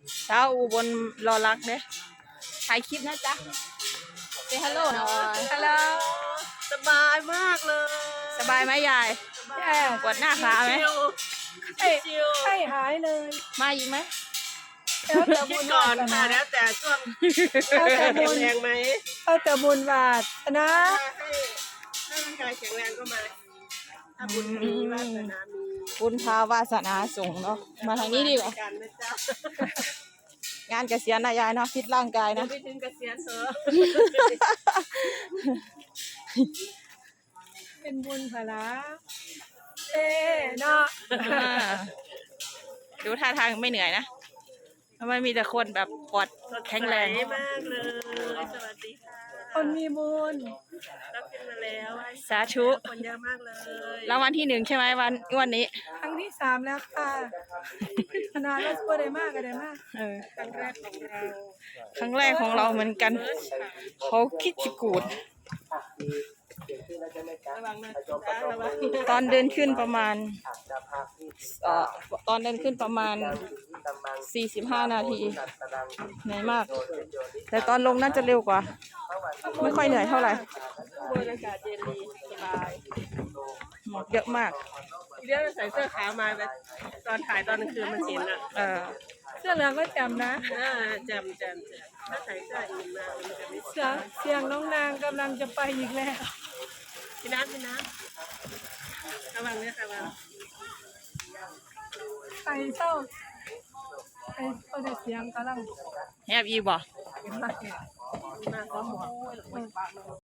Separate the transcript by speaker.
Speaker 1: สาวอุบลรอรักเด้ถ่ายคลิปนะจ๊ะเซฮัลโหลหน่อยฮัลโหล
Speaker 2: สบายมากเลย
Speaker 1: สบายไหมยายปวดหน้าขาไหม
Speaker 2: ชิว
Speaker 3: ไข้หายเลย
Speaker 1: มาอีกไหม
Speaker 3: แล้วแต่
Speaker 2: คิ
Speaker 3: บุ
Speaker 2: ด
Speaker 3: ญ
Speaker 2: ก่อ
Speaker 3: วาน ส
Speaker 2: ค่ะ
Speaker 3: นา
Speaker 2: แล้วแต่ช่วง
Speaker 3: แล้วแต่บุญ
Speaker 2: แรงไหม
Speaker 3: แล้วแต่บุญวาสนา
Speaker 2: ถ้าร่างกายแข็งแรงก็มาถ้าบุญมีวาสนามี
Speaker 1: บุญพาวาสนาส่งเนาะมาทางนี้ดีกว่า
Speaker 2: กันนะจ๊ะ
Speaker 1: งานเกษียณนะยายเนาะฟิตร่างกายนะ
Speaker 2: ไปถึงเกษียณเถอะ
Speaker 3: เป็นบุญพละเนาะ
Speaker 1: ดูท่าทางไม่เหนื่อยนะทำไมมีแต่คนแบบปอดแข็งแรง
Speaker 2: สดใสมากเลยสวัสดีค่ะ
Speaker 3: คนมีบุญ
Speaker 2: รับขึ้นมาแล้ว
Speaker 1: สาธุ
Speaker 2: คนเยอะมากเลย
Speaker 1: รางวัลที่หนึ่งใช่ไหมวันนี้
Speaker 3: ครั้งที่3แล้วค่ะขนาดเราช่วยได้มากก็ได้มาก
Speaker 1: เออ
Speaker 2: ครั้งแรกของเรา
Speaker 1: ครั้งแรกของเราเหมือนกัน เขาคิดจะกูด
Speaker 2: ระวังนะจ๊ะระวัง
Speaker 1: ตอนเดินขึ้นประมาณตอนเดินขึ้นประมาณ45 นาทีเหนื่อยมาก แต่ตอนลงน่าจะเร็วกว่า ไม่ค่อยเหนื่อยเท่าไหร่
Speaker 2: บรรยากาศเย็นดีสบาย
Speaker 1: หมอกเยอะมาก
Speaker 2: เดี๋ยวใส่เสื้อขาวมาแบบตอนถ่ายตอนกลางคืนมันเห็นอ่ะ
Speaker 3: เสื้อเหลืองก็จำนะ
Speaker 2: จำถ้าใส่เสื้ออื่นมามันจะไม่
Speaker 3: เสียงน้องนางกำลังจะไปอีกแล้ว
Speaker 2: พี่น้ำระวังเนี่ยระวัง
Speaker 3: ไปเศร้าไปเขาได้เสียงกำลัง
Speaker 1: แฮบอีบ่
Speaker 3: เป็นมาก
Speaker 2: มาขอหมวก